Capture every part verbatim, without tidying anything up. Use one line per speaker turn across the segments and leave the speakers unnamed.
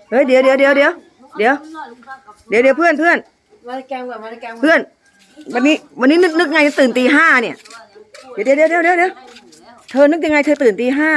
เฮ้ยเดี๋ยวเดี๋ยวเดี๋ยวเดี๋ยวเดี๋ยวเดี๋ยวเดี๋ยวเพื่อนเพื่อน
มาแกงแบบมาแกง
เพื่อนวันนี้วันนี้นึกนึกไงตื่นตีห้าเนี่ยเดี๋ยวเดี๋ยวเดี๋ยวเดี๋ยวเดี๋ยวเธอนึกยังไงเธอตื่นตีห้า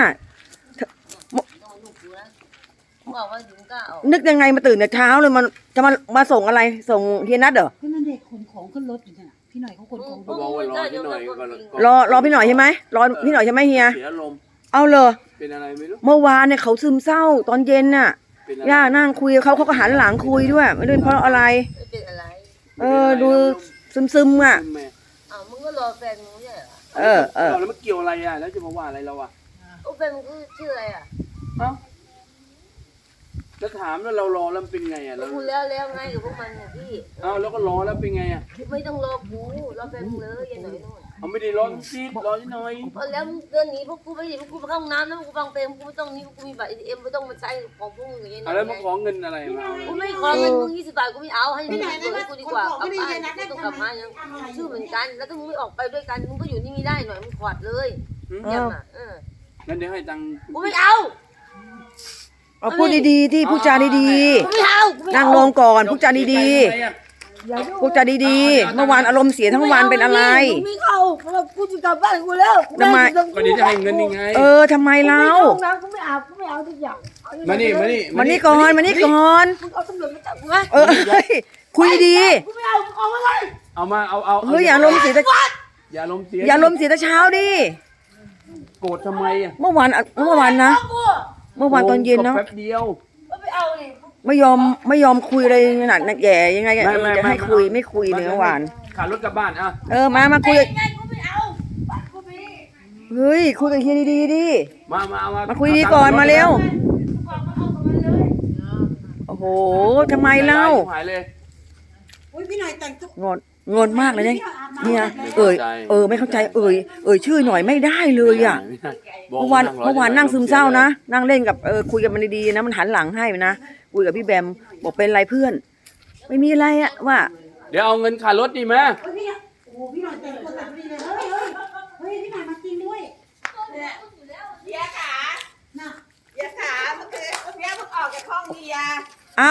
นึกยังไงมาตื่นแต่เช้าเลยมันจะมามาส่งอะไรส่งเฮียนัทเหรอ
ก็นั่นเด็กขนของขึ้นรถอยู่เนี่ยพี่หน่อยเขาขนของ
เขาบอกว่ารอพี่หน่อยก่อน
รอรอพี่หน่อยใช่ไหมรอพี่หน่อยใช่ไหมเฮีย
เสียลม
เอาเลย
เป็นอะไรไม่รู้
เมื่อวานเนี่ยเขาซึมเศร้าตอนเย็นน่ะย่านั่งคุยกับเขาเขาก็หันหลังคุยด้วยไม่รู้เพราะอะไรเออดูซึมซึมอ่ะ
อ้าวมึงก็รอแฟนมึงใช่เหรอ
เออเออ
แล้วมันเกี่ยวอะไรอ่ะแล้วจะมาว่าอะไรเราอ่ะ
แฟนมึงชื่ออะไรอ่ะ
เอ้าจะถามแล้วเรารอแล้วเป็นไงอ่ะเรา
พูดแล้วแล้วไงกับพวกมันเนี่ยพี่
เอ้าแล้วก็รอแล้วเป็นไงอ่ะ
ไม่ต้องรอกูรอแฟนมึงเลยยันหน่อยนู่น
เอาไม่ได้รอซีดรอที่หน่อย
แล้วเดือนนี้พวกกูไม่ได้พวกกูไปเข้าห้องน้ำแล้วพวกกูฟังเพลงกูไม่ต้องนี้พวกกูมีบัตร เอ ที เอ็มไม่ต้องมาใช้ของพวกมึงอย่างเงี้ย
แล้วมาขอเงินอะไรมา
กูไม่ขอเงินมึงยี่สิบบาทกูไม่เอาให้มึงเลยกูดีกว่ากลับบ้านกูต้องกลับมายังชื่อเหมือนกันแล้วถ้ามึงไม่ออกไปด้วยกันมึงก็อยู่นี่ไม่ได้หน่อยมึงขวัดเลยยังอ่ะเออ
งั้นเดี๋ยวให้ตังค์
กูไม่เอา
เอาพูดดีๆที่พูดจาดีๆนั่งลงก่อนพูดจาดีๆพูดจาดีๆเมื่อวานอารมณ์เสียทั้งวันเป็นอะไร
ไม่เข้าเรากูจะกลับบ้านกูแล้ว
ทำไม
ก็เดี๋ยวจะให้เงินยังไง
เออทำไมเรา
กูไม่เอากูไม่เอาทุกอย่าง
มานี่มานี่
มานี่ก่อนมานี่ก่อน
มึงเอาตำรวจมาจับกูไหม
เออคุยดี
กูไม่เอามึงเอาอะไร
เอามาเอาเอา
เฮ้ยอย่าลมเสีย
อย่าลมเสีย
อย่าลมเสียแต่เช้าดิ
โกรธทำไมอ่ะ
เมื่อวานเมื่อวานนะเมื่อวานตอนเย็นเนาะ
แป๊บเดียว
ไม่เอาดิ
ไม่ยอมไม่ยอมคุยอะไรขนาดนักแย่ยังไงจะให้คุยไม่คุยเนื้อหวาน
ขับรถกลับบ้านอ่ะ
เออมามาคุยเฮ้ยคุยกับเฮียดีๆดิ
มามามา
มาคุยดีก่อนมาเร็วโอ้โหทำไมเล่า
พี่หน่อยแต่งตุ๊ก
งอนงอนมากเลยเนี่ยเนี่ยเอ่ยเออไม่เข้าใจเอ่ยเอ่ยชื่อหน่อยไม่ได้เลยอ่ะเมื่อวานเมื่อวานนั่งซึมเศร้านะนั่งเล่นกับเออคุยกันมันดีๆนะมันหันหลังให้นะคุยกับพี่แบมบอกเป็นไรเพื่อนไม่มีอะไรอะว่า
เดี๋ยวเอาเงินค่ารถดีไหม
โอ้โหพี่หน่อยแต่งตัวแบบนี้เลยเฮ้ยเฮ้ยเฮ้ยพี่หน่อยมาจริงด้วย
เนี่ยเบียร์ขาน่ะเบียร์ขาเมื่อคืนเบียร์เพิ่งออกจากห้องเบียร์
อ้าว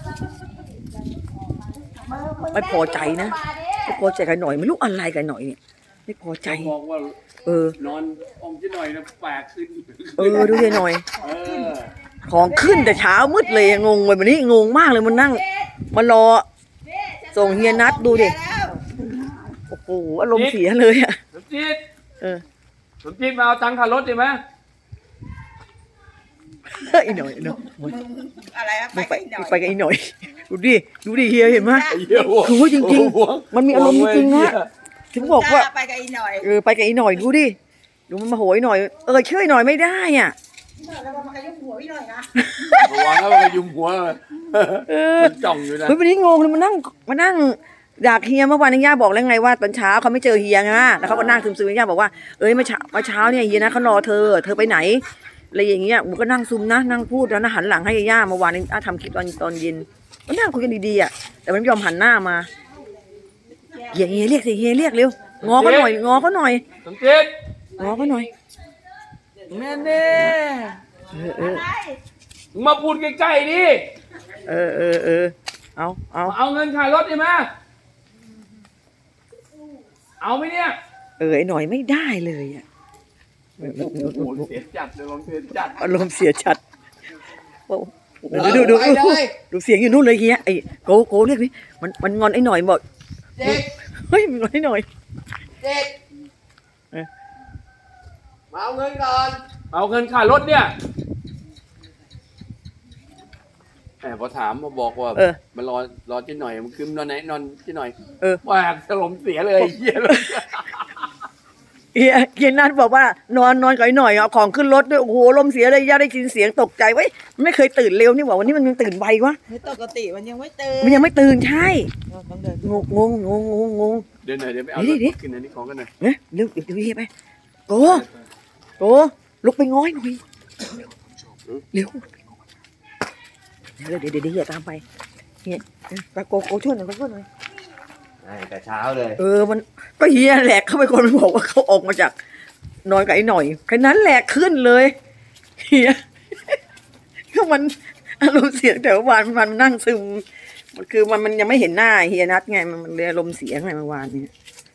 ไม่พอใจนะไม่พอใจกันหน่อยไม่รู้อะไรกันหน่อยเนี่ยไม่พอใจ
บอกว่า
เออน
อนองจะหน่อยนะแปลกขึ้น
เออดูดิหน่อยของขึ้นแต่เช้ามืดเลยงงเลยวันนี้งงมากเลยมันนั่งมารอส่งเฮียนัทดูดิโอ้โหอารมณ์เสียเลยอ่ะ
สมจิต
เออ
สมจิตมาเอาตังค่ารถดีไหม
อีหน่อยเนาะ
อะไรอะไป
ไปกับอีหน่อยดูดิดูดิเฮียเห็นไหมโอ้โหจริงๆมันมีอารมณ์จริงๆนะถึงบอกว่า
ไปกับอีหน่อย
เออไปกับอีหน่อยดูดิดูมันมาโหยหน่อยเออช่วยหน่อยไม่ได้อ่ะ
เรามากระยุมหัวพี่หน่อยนะ
ระวังแล้วกระยุมหัวมันจ่องอยู่นะ
เฮ้ยวันนี้งงเลยมานั่งมานั่งอยากเฮียเมื่อวานนี้ย่าบอกแล้วไงว่าตอนเช้าเขาไม่เจอเฮียไงแล้วเขาก็นั่งซึมๆย่าบอกว่าเอ้ยเมื่อเช้าเมื่อเช้าเนี่ยเฮียนะเขารอเธอเธอไปไหนอะไรอย่างเงี้ยมันก็นั่งซุมนะนั่งพูดแล้วนะหันหลังให้ย่าเมื่อวานนี้ทำคลิปตอนตอนเย็นก็นั่งคุยกันดีๆอ่ะแต่มันไม่ยอมหันหน้ามาเฮียเฮียเรียกสิเฮียเรียกเร็วงอเขาหน่อยงอเขาหน่อย
สมจิต
งอเขาหน่อย
แม่เน่มาพูดใกล้ๆดิ
เออเออเออเอาเอา
เอาเงินค่ารถดีไหมเอาไหมเนี่ย
เออไอ้หน่อยไม่ได้เลยอ่ะ
เสียจัดเลยลมเสียจัด
อารมณ์เสียจัดดูดูดูดูเสียงอยู่นู่นเลยเฮียไอ้โกโกเรียกนี่มันมันงอนไอ้หน่อยบอกเฮ้ยมันงอนไอ้หน่อย
เด็กมาเอาเงินก่อน
เอาเงินค่ารถเนี่ยแต่พอถามมาบอกว่ามันรอรอที่หน่อยมันคืนนอนไหนนอนที่หน่อย
เออ
ว่าสลมเสียเลยเฮียเลย
เฮียเฮียนัทบอกว่านอนนอนก่อยหน่อยเอาของขึ้นรถด้วยโอ้โหลมเสียเลยย่าได้ยินเสียงตกใจไว้ไม่เคยตื่นเร็วนี่หว่าวันนี้มันยังตื่นไววะ
ปกติมันยังไม่ตื่น
มันยังไม่ตื่นใช่งงงงงงงงง
เดี๋ยวหน่อยเดี๋ยวไปเอาขึ้นอันนี้ของกันหน่อย
เนี่ยเร็วเดี๋ยวเฮียไปโกโกลุกไปง้อยหน่อยเร็วเดี๋ยวเดี๋ยวเดี๋ยวเฮียตามไปเฮียไปโกโกช่วยหน่อยช่วยหน่อย
แต่เช้าเลย
เออมันก็เฮียแหลกเขาไปคนบอกว่าเขาออกมาจากนอนกับไอ้หน่อยแค่นั้นแหลกขึ้นเลยเฮียก็มันอารมณ์เสียแต่เมื่อวานมันนั่งซึมมันคือมันมันยังไม่เห็นหน้าเฮียนัทไงมันมันเลยอารมณ์เสียไงเมื่อวานเนี่ย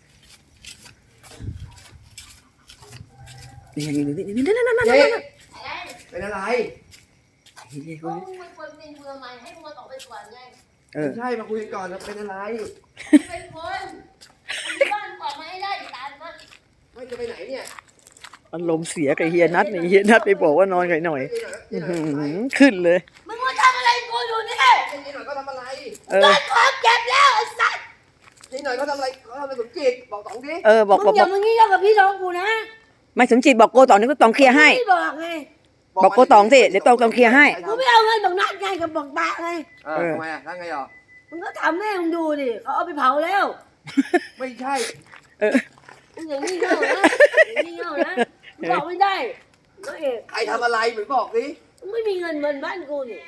นี่นี่นี่นี่นั่นนั่นนั่นนั่น
เป็นอะไร
เฮีย
ก็
เขา
มึงเป็นคนเป็นเมืองใหม่ให้มึงมาออกไปก่อนไง
เออ
ไม่ใช่มาคุยกันก่อนนะเป็นอะไร
เป็นคนบ้านออกมาให้ได้ตามมา
ไม่จะไปไหนเนี่ย
อารมณ์เสียกับเฮียนัทนี่เฮียนัทไปบอกว่านอนกันหน่อยอื้อหือขึ้นเลย
มึงมาทำอะไรกูอยู่นี่
นี่หน่อยเขาทำอะไร
เออ
โดนของเก็บแล้วไอ้สัตว์
นี่หน่อยเขาทำอะไรเขาทำอะไรสมจิตบอกสองดิ
เออบอก
มึ
บอก
งอย่ามึงงี้เล่ากับพี่น้องกูนะ
ไม่สมจิตบอกโกตองนี่ก็ตองเคลียร์ให้
ไม่บอกไง
บอกโกตองสิเดี๋ยวตองตองเคลียร์ให้
กูไม่เอาเงินบอกนัดไงกับบอกตาไง
เออทำไมอ่ะแล้วไงอ่ะ
มึงก็ทำแม่มึงดูดิเขาเอาไปเผาแล้ว
ไม่ใช่
เออ
มึงอย่างนี้เง่านะอย่างนี้เง่านะมึงบอกไม่ได้น้องเอก
ใครทำอะไรเหมือนบอกสิ
มึงไม่มีเงินเงินบ้านกูนี่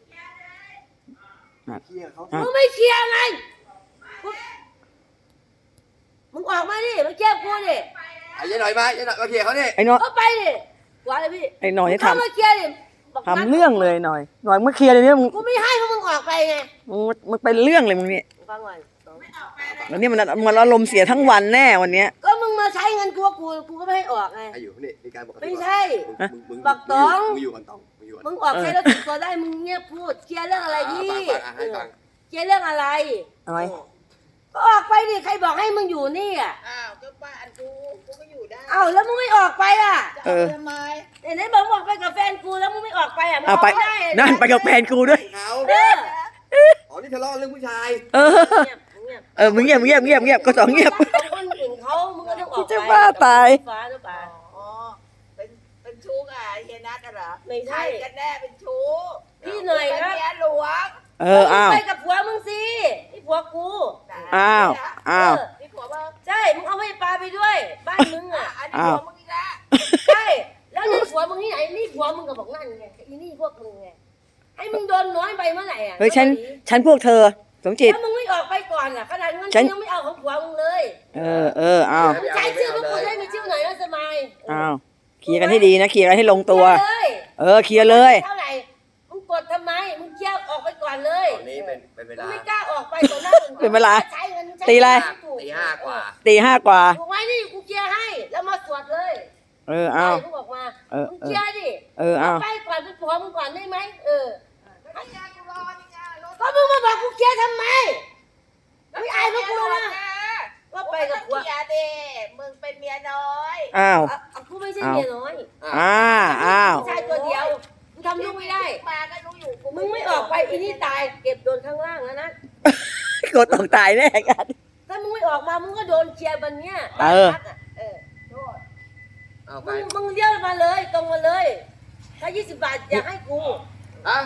เคลียร์เขา
มึงไม่เคลียร์ไงมึงมึงออกมาดิมาแก้กูดิ
ไอ้ยัยหน่อยมายัยหน่อยมาเคลียร์เขาเนี่ย
ไอ้น้อย
ก็ไปดิกว่าเลยพี่
ไอ้หน่อย
มึง
ท
เข้ามาเคลียร์ดิบอก
ำทำเรื่องเลยหน่อยหน่อยเมื่อเคลียร์เลยเนี่ยมึง
กูไม่ให้เพราะมึงออกไปไง
มึงมึงเป็นเรื่องเลยมึงเนี่ย
ฟังก่อน
แล้วนี่มันมันอารมณ์เสียทั้งวันแน่วันเนี้ย
ก็มึงมาใช้เงินกูกูกูก็ไม่ให้ออกไง
ไอ้อยู่นี่มีการบอก
ไม่ใช่
มึงมึง
บักตอง
มึงอยู่กันตองมึงอยู่กัน
มึงออกใช้แล้วติดตัวได้มึงเงียบพูดเคลียร์เรื่องอะไรพี่
ฟังฟังอ่ะให้ฟัง
เคลียร์เรื่องอะไร
อะไร
ก็ออกไปดิใครบอกให้มึงอยู่นี่อ่ะ
อ้าวก็บ้านกูกูก็อยู่ได้
เอ้าแล้วมึงไม่ออกไปอ่ะ
จะเอาทำไม
ไหนๆบอกมึงออกไปกับแฟนกูแล้วมึงไม่ออกไปอ่ะมึงอ
เอา
อก
ไป
ไม่ได้อะ
นั่นไปกับแฟนกูด้วย
เขา
เออ
อ๋อนี่ทะเลาะเรื่องผู้ชาย
เออ
เงียบเงียบ
เออมึงเงียบเงียบเงียบเงียบก็สองเงียบ
ของคนอื่นเขามึงก็ต้องออกไป
จะบ้าตาย
ฟ้าหรือเปล่า
อ๋อเป็นเป็นชู้กับเฮียนัทกันเหรอ
ไม่ใช่
ใครกันแน่เป็นชู้
พี่หน่อยครับ
เป็นเมียหลวง
เอออ้าว
มึงไปกับผัวมึงสินี่ผัวกู
อ้าวอ้าว
เออ
นี่ผัวมึง
ใช่มึงเอาให้ปลาไปด้วย บ้านมึง
อ่ะ
อ่ะ
อันนี้
อ้าว
ผัวมึงอีกแล้ว
ใช่แล้วนี่ผัวมึงที่ไหนนี่ผัวมึงก็บอกนั่นไงอีนี่พวกมึงไงให้มึงโดนน้อยไปเมื่อไหร่อ่ะ
เฮ้ยฉันฉันพวกเธอสมจิต
แล้วมึงไม่ออกไปก่อนอ่ะขนาดเงิน
ฉัน
ยังไม่เอาของผัวมึงเลย
เออเอออ้าว
มึงใช้ชื่อพวกกูได้มีชื่อไหนว่าสมัย
อ้าวเคลียร์กันให้ดีนะเคลียร์กันให้ลงตัว
เคลียร์เลย
เออเคลียร์เลย
เท่าไหร่มึงกดทำไมมึงเคลียร์ออกไปก่อนเลย
ตอนนี้เป็นเป็นเว
มึง
ลา
ไม่กล้าออกไปต่อหน้าอื่
เป็นเวลา
ใช้เงินใช้
ตีอะไร
ตีห้ากว่า
ตีห้ากว่า
ถูกไหมนี่กูเคลียร์ให้แล้วมาสวดเลย
เอออ้าว
มึงบอกมา
เออ
มึง
เอ
เค
อ
ลียร์ดิ
เอออ้าว
ไปก่อนเป็นผัวมึงก่อนได้ไหมเออ
ไม่ยากกูรอนี่ไงรถ
ก็มึงมาบอกกูเคลียร์ทำไมไม่อายพวกกูนะว่าไปกับผัว
เมียเด้มึงเป็นเมียน้อย
อ้าว
อ่ะอ่ะกูไม่ใช่เมียน้อย
อ้าวอ้าว
ผู้ชายตัวเดียวกูทำลูกไม่ได้
มาก็รู้อยู่กู
มึงไม่ออกไปอีนี่ตายเก็บโดนข้างล่างแล้วนะ
โกตองตายแน่กัน
ถ้ามึงไม่ออกมามึงก็โดนเคลียร์บันเนี้ย
เออ
พักะเออโทษ
เอาไป
มึงมึงเลี้ยวมาเลยตรงมาเลย ถ้ายี่สิบบาทอยากให้กู
อ่ะ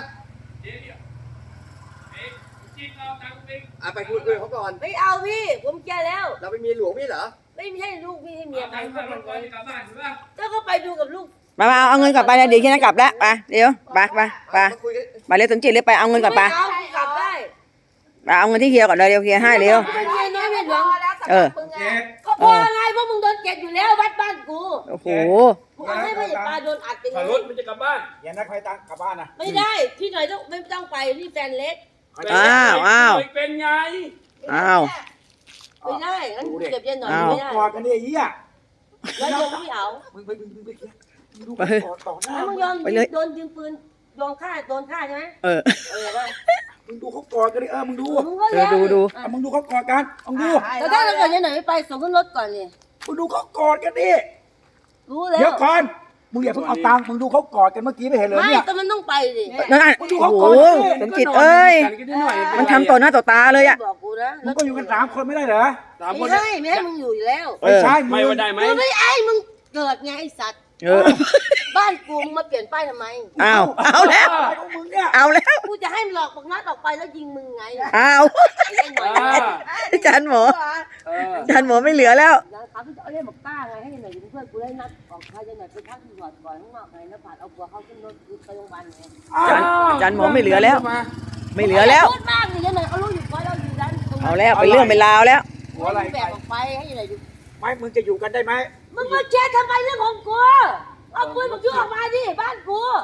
อ่ะไปคุยคุยเขาก่อน
ไม่เอาพี่ ผมเคลียร์แล้ว
เราเป็นเมียหลวงพี่เหรอ
ไม่ใช่ลูกไม่ใช่เมียใครพวกมันเลยเจ้าก็ไปดูกับลูก
มามาเอาเงินกลับไปเลยเดี๋ยวแค่นั้นกลับแล้วไปเดี๋ยวไปไปไป
มาคุยกัน
ไปเร็วสมจิตเลยไปเอาเงินกลับไป
ม่เอากูกลับได้
ไปเอาเงินที่เฮียก่อนเลยเดี๋ยวเฮียให้เร็ว
กูเป็นเมียน้อยเมียหลวง
แล้วสำห
เอ
รั
อ
บมึงอ่ะ
ก็พอไงเพราะมึงโดนเก็บอยู่แล้ววัดบ้านกู
โอ้โห
กูเอาให้พ่อใหญ่ปลาโดนอัดไปเล
ขับรถ
ย
มันจะกลับบ้าน
อย่านักใครตังกลับบ้านนะ
ไม่ได้ พี่หน่อยต้องไม่ต้องไปนี่แฟนเล็ก
อ้าวอ้าว
เป็นไง
อ้าว
ไม่ได้งั้นเก็บยันหน่อย
อ้าว
ไม่ได้
กอดกันดิไอ้เหี้ย
แล้วยงไม่เอา
มึงไปมึงมึงไปเคลียร์มึงดู
ไป
กอดต่อหน้า
แล้วมึ
มึ
ง
ง
ยอม
ไปเลย
โดนยิงปืนโดนฆ่าโดนฆ่าใช่ไหม
เออ
เออว่า
มึงดูเขากอดกันดิเออมึงดู
มึงก็
เออ
แล้ว
ดูดู
อ่ะมึงดูเขากอดกันมึงดู
แต่ถ้าเราเกิดยันหน่อยไม่ไปส่งขึ้นรถก่อนเลย
มึงดูเขากอดกันดิ
รู้แล้
เดี๋ยว
ว
ก่อนมึงอย่าเพิ่งเอาตังค์มึงดูเขากอดกันเมื่อกี้ไม่เห็นเลย
ไม่
เนี่ย
แต่มันต้องไปดิ
นั่นน่ะ
มึงดู
โอ้
เขา
โห
ก่อนดิ
สมจิตเอ้ย
กันนิดหน่อย
มันทำต่อหน้าต่อตาเลยอะ
บอกกูนะ
มึงก็อยู่กันสามคนไม่ได้เหรอ
สามค
ไม่
น
ให้ไม่ให้มึงอยู่อยู่แล้ว
เอ
ไม่
อ
ใช่
ไม่ว่าได้ไหม
กูไม่ไอ้มึงเกิดไงไอ้สัตว์
เออ
บ้านกูมึงมาเปลี่ยนป้ายทำไม
อ้าวเอาแล้ว
อะไรของมึงเนี่ย
เอาแล้ว
กูจะให้มันหลอกบักนัดออกไปแล้วยิงมึงไง
เอา
ไอ้ยันหน่อย
อ่า
อาจารย์หมอ
เออ
อาจารย์หมอไม่เหลือแล้ว
นะครับพี่จะเอาเล่นบอกต้าไงให้ยันหน่อยเป็นเพื่อนกูได้นัดออกใครยันหน่อยไปพักที่หอดก่อนข้างนอกไงแล้วผ่านเอาผัวเขาขึ้นรถไปโรงพยาบาลไง
อาจารย์อาจารย์หมอไม่เหลือแล้ว ไม่เหลือแล้ว
พูดมากเลยยันหน่อยเขารู้อยู่ว่าเราอยู่ร้านตรง
เอาแล้วเป็นเรื่องเป็นราวแล้ว
หัวอะไร
แบกออกไปให้ยันหน่อยอยู่
ไม่มึงจะอยู่กันได้ไหม
มึงมาแชร์ทำไมเรื่องของกูเอาปืนมายุ่งออกมาดิบ้านกู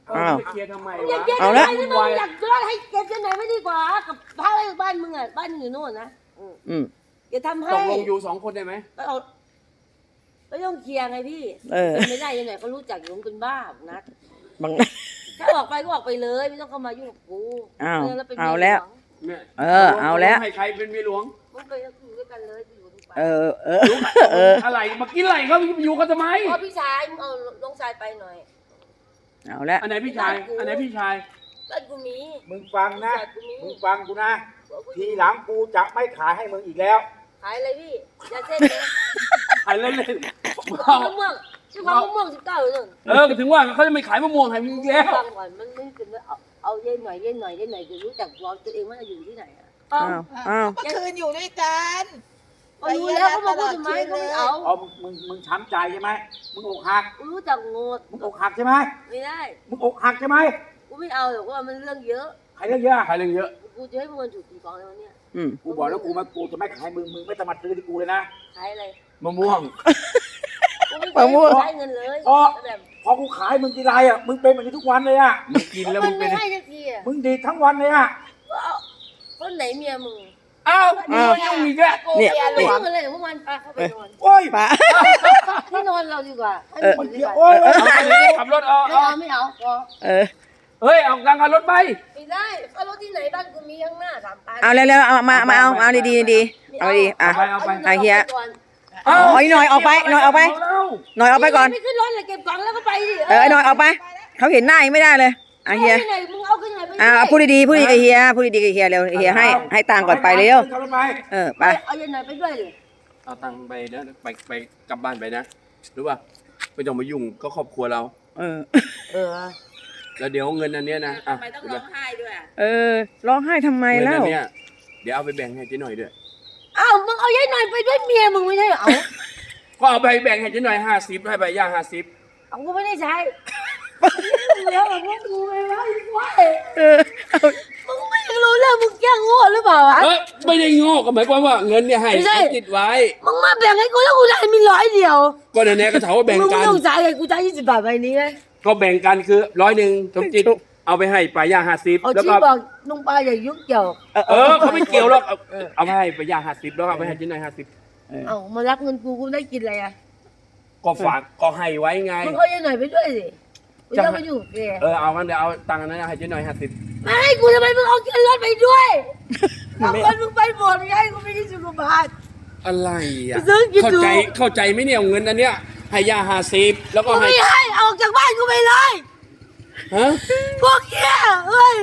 อ้าว
ไปเคลียร์ทำไม
มึงอยาก
วะ
เก็บ
เอา
อะไร
ละ
นี่มึงอยากจะให้เก็บที่ไหนไม่ดีกว่ากับพาอะไรบ้านมึงอ่ะบ้านมึงอยู่โน่นนะอืม
อืม
อย่าทำให้
ตกลงอยู่สองคนได้ไหม
ก็เอาก็ต้องเคลียร์ไงพี่
เออ
เป็นไม่ได้ยังไงเขารู้จักอยู่มึงเป็นบ้านัด
บาง
ถ้าออกไปก็ออกไปเลยไม่ต้องเข้ามายุ่งกับกู
อ้าว
แล้วเป็น
เอาแล้ว
เนี่ย
เออเอาแล้ว
ให้ใครเป็นเมียหลวง
มึงไปอยู่ด้วยกันเลยไปอยู่ด้วยกัน
เออเออเออ
อะไรมากินอะไรเขาอยู่กันทำไม
พอพี่ชายมึงเอาลงชายไปหน่อย
เอาแล้ว
อันไหนพี่ชาย อันไหนพี่ชาย
บ้านกูมี
มึงฟังนะ
บ้านกูมี
มึงฟังกูนะ ทีหลังกูจะไม่ขายให้มึงอีกแล้ว
ขายอะไรพี่ยาเส้นนะ
ขายเล่น
มะม่วงชื่อมะม่วงสิบเก้าเลย
ๆเออก็ถึงว่าเขาจะไม่ขายมะม่วงให้มึงอีกแล้ว
ฟังก่อนมันไม่เป็นว่าเอาเอาเย็นหน่อยเย็นหน่อยเย็นหน่อยจะรู้จักตัวตัวเองว่าอยู่ที่ไหนอ่ะ
อ้าวอ้าว
เมื่อคืนอยู่ด้วยกัน
ก็รู้แล้วเขามาพูดทำไมเขาไม่เอา
เอามึงมึงมึงช้ำใจใช่ไหมมึงอกหัก
กูรู้จักโงด
มึงอกหักใช่ไหม
ไม่ได้
มึงอกหักใช่ไหม
กูไม่เอาหรอกว่ามันเรื่องเยอะ
ใครเรื่องเยอะ
ขายเรื่องเยอะ
กูจะให้มึงถูกกี่กองในวันเนี้ย
อืม
กูบอกแล้วกูมากูจะไม่ขายมึงมึงไม่ต้องมาซื้อที่กูเลยนะ
ขายอะไร
มะม่วง
กูไม่เคยใช้เงินเลย
อ๋อ
แบบ
พอกูขายมึงทีไรอ่ะมึงเป็นแบบนี้ทุกวันเลยอ่ะ
มึงกินแล้ว
มั
มึ
น
งเป็
ไม่
น
ให้สักทีอ่ะ
มึงดีดทั้งวันเลยอ่ะ
ก็เอาคนไหนเมียมึง
อ้าวมึงมายุ่งอีกแล้ว
เนี่ย
ไม่ยุ่งอะไรกับพวกมันไปเข้าไปนอน
โอ้ย
ป้า
ที่นอนเราดีกว่าให้
เออ
มึงดีกว่า
โอ้ย
ขับรถเอา
ไม่
เอา
เอาไม่เอาพอ
เออ
เฮ้ยเอาตังค์ค่ารถไป
ไม่ได้ก็รถที่ไหนบ้านกูมีข้างหน้าสามตัน
เอาแล้วแล้วเอามามาเอาเอาดีดีดีเอาดีอ่ะ อ่ะเฮีย
เอา
อ๋อหน่อยออกไปหน่อยออกไป
แล้ว
หน่อยออกไปก่อน
ไม่ขึ้นรถเลยเก็บกล่องแล้วก็ไปดิ
เออหน่อยออกไปเขาเห็นหน้ายังไม่ได้เลยอ่ะเฮีย
อาที่ไหนมึงเอาขึ้นไหนไป
อ่าพูดดีๆพูดดีๆกับเฮียพูดดีๆกับเฮียเร็วเฮียให้ให้ตังค์ก่อนไปเร็ว
ขับรถไป
เออไป
เอายังไงไปด้วยเลย
เอาตังค์ไปนะไปไปกลับบ้านไปนะรู้ป่ะไม่ต้องมายุ่งก็ครอบครัวเรา
เออ
เออ
แล้วเดี๋ยวเงินอันเนี้ยนะอ่ะ
ทำไมต้องร้องไห้ด้วยอ่ะ
เออร้องไห้ทำไม
เงิน
แล้
อั
ว
นเนี้ยเดี๋ยวเอาไปแบ่งให้เจ๊หน่อยด้วย
อ้าวมึงเอายัยหน่อยไปด้วยเมียมึงไม่ใช่เหรอเอา
ก็เอาไปแบ่งให้เจ๊หน่อยห้าสิบให้ใบย่าห้าสิบ
เอากูไม่ได้ใช้แล้วแบบว่ากูไม่ว่าอีกว่า
เออเอา
มึงไม่รู้เรื่องมึงแกล้งโง่หรือเปล่าวะ
เอ้ยไม่ได้โง่ก็หมายความว่าเงินเนี่ยให้
ไม่ใช่
ติดไว้
มึงมาแบ่งให้กูแล้วกูได้มีร้อยเดียว
ก็แน่ๆก็ถามว่าแบ่ง
มึง
กั
ไม่
น
ต้องจ่ายเลยกูจ่ายยี่สิบบาทใบนี้เลย
ก็แบ่งกันคือร้อยหนึ่งสมจิตเอาไปให้ปลาย่าห้าสิบ
เอา
แล้ว
ชี้
ก็
บอกลุงปลาอย่ายุ่งเกี่ยว
เออเขาไม่เกี่ยวหรอกเอาเอาไปให้ปลาย่าห้าสิบแล้วก็เอาไปให้เจ๊หน่อยห้าสิบ
เอามารับเงินกูกูได้กินอะไรอ่ะ
ก็ฝากก็ให้ไว้ไง
มึงเอายัยหน่อยไปด้วยสิกูจะมาอยู่กับแก
เออเอางั้นเดี๋ยวเอาตังค์อันนั้นให้เจ๊หน่อยห้าสิบ
ไม่ให้กูทำไมมึงเอาเงินรถไปด้วยเอาเงินมึงไปหมดไงกูไม่ได้สิบบาท
อะไรอ่ะ
ไปซื้อกิน
เข้า
ดู
ใจเข้าใจไหมเนี่ยเงินอันเนี้ยให้ย่าห้าสิบแล้วก็
กู
ให้
ไม่ให้ออกจากบ้านกูไปเลย
ฮะ
พวกเกี้ยเฮ้ย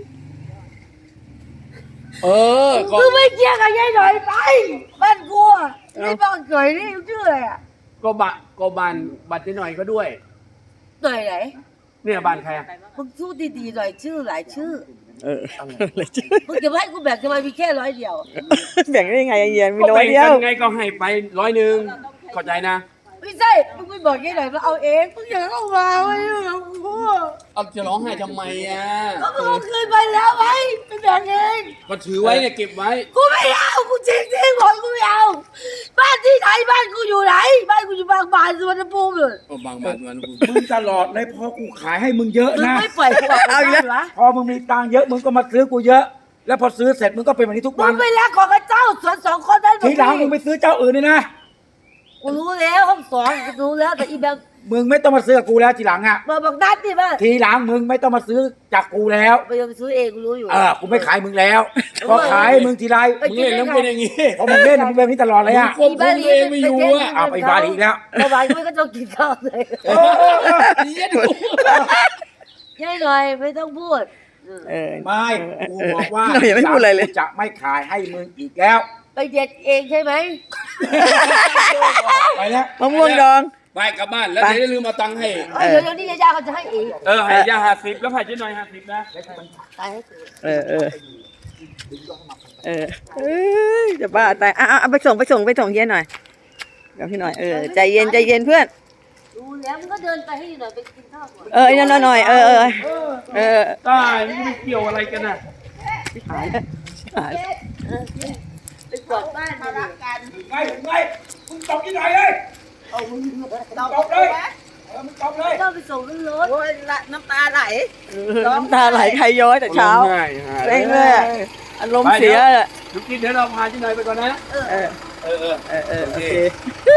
เออก็
มึงไม่เกี้ยกับยายหน่อยไปบ้านกูอ่ะไอ้บ้านเกยนี่ชื่ออะไรอ่ะ
ก็บะก็บานบัตรเจ๊หน่อยก็ด้วย
หน่อยไหน
เนี่ยบ้านใครอะ
มึงสู้ดีๆหน่อยชื่อหลายชื่อ
เอออะไรจ้ะ
มึงจะให้กูแบ่งทำไมมีแค่ร้อยเดียว
แบ่งได้ยังไงเฮียมี
ก็
น้อย
แบ่ง
เดีย
กั
วน
ไงก็ให้ไปร้อยหนึ่งเข้าใจนะ
ไม่ใช่มึงไม่บอกยายหน่อยมาเอาเองมึงอย่าเข้ามาไม่ยุ่งกับกู
เอาจะร้องไห้ทำไมอ่ะ
ก็มึงเอาคืนไปแล้วไว้ไปแบ่งเอง
ก็ถือไว้เนี่ยเก็บไว้
กูไม่เอากูจริงจริงบอกกูไม่เอาบ้านที่ไหนบ้านกูอยู่ไหนบ้านกูอยู่บางบานสุวรรณภูมิเลย
โอ้บางบานวันกู
มึงตลอดเลยพอกูขายให้มึงเยอะ
มึง
นะ
ไม่ปล่อยกูออกจากบ้านวะ
พอมึงมีตังค์เยอะมึงก็มาซื้อกูเยอะ แล้วพอซื้อเสร็จมึงก็เป็นแบบนี้ทุก
มึ
วัน
งไปรักของพระเจ้าสวนสองคนนั้น
ทีหลังมึงไปซื้อเจ้าอื่นเลยนะ
กูรู้แล้วห้องสองกูรู้แล้วแต่อีแบบ
มึงไม่ต้องมาซื้อกับกูแล้วทีหลังอ่ะ
มาบอกนัดดิบ้า
ทีหลังมึงไม่ต้องมาซื้อจากกูแล้ว
ไปยังซื้อเองกูรู้อยู่
เออกูไม่ขายมึงแล้วพอขายให้มึงทีไร
มึงเล่นแล้วเป็นอย่างงี้
พอมึงเล่นมึงเป็นแบบนี้ตลอดเลยอ่ะ
ควบคุมตัวเองไม่อยู่อ่ะ
เอาไปบาลีอีกแล้ว
ไปบาลีไม่ก็ต้องกินข้าวเลย
เย็ดดู
ยายหน่อยไม่ต้องพูด
เออ
ไม่กูบอกว่า
หน่อยยังไม่พูดอะไรเลย
กูจะไม่ขายให้มึงอีกแล้ว
ไปเด็ดเองใช่ไหม
ไปแล้ว
มะม่วงดอง
ไปกลับบ้านแล้วเดี๋ยวอย่าลืมเอาตังค์ให้
เออเดี๋ยวเดี๋ยวนี้ยาเขาจะให้เอง
เออให้ย่าห้าสิบแล้วให้เจ๊หน่อยห้าสิบนะ
ตายให้กู
เออเออเออเอ้ยจะบ้าตายอ่ะอ่ะเอาไปส่งไปส่งไปส่งเฮียหน่อยเดี๋ยวพี่หน่อยเออใจเย็นใจเย็นเพื่อน
รู้แล้วมึงก็เดินไปให้หน่อยไปกินข้าวก่อน
เออไอ้นั่นหน่อยเออเออเออ
ตายมันไม่เกี่ยวอะไรกันน่ะ
หายแล้วหาย
เออไปกวาดบ้าน
มา
มา
รักกัน
ไงไงมึงตบที่ไหนเลย
ตบ
ตบเลย
นะ
เอออมึงจบเลย
ก็ไปส่งขึ้นรถ
โอ้ยละน้ำตาไหล
น้ำตาไหลใครย้อยแต่เช้า
ง่ายหา
เร่งเลยอะอารมณ์เสียอะ
ลูกกินเดี๋ยวเราพาที่ไหนไปก่อนนะ
เออ
เออเออ
เออเออโอเค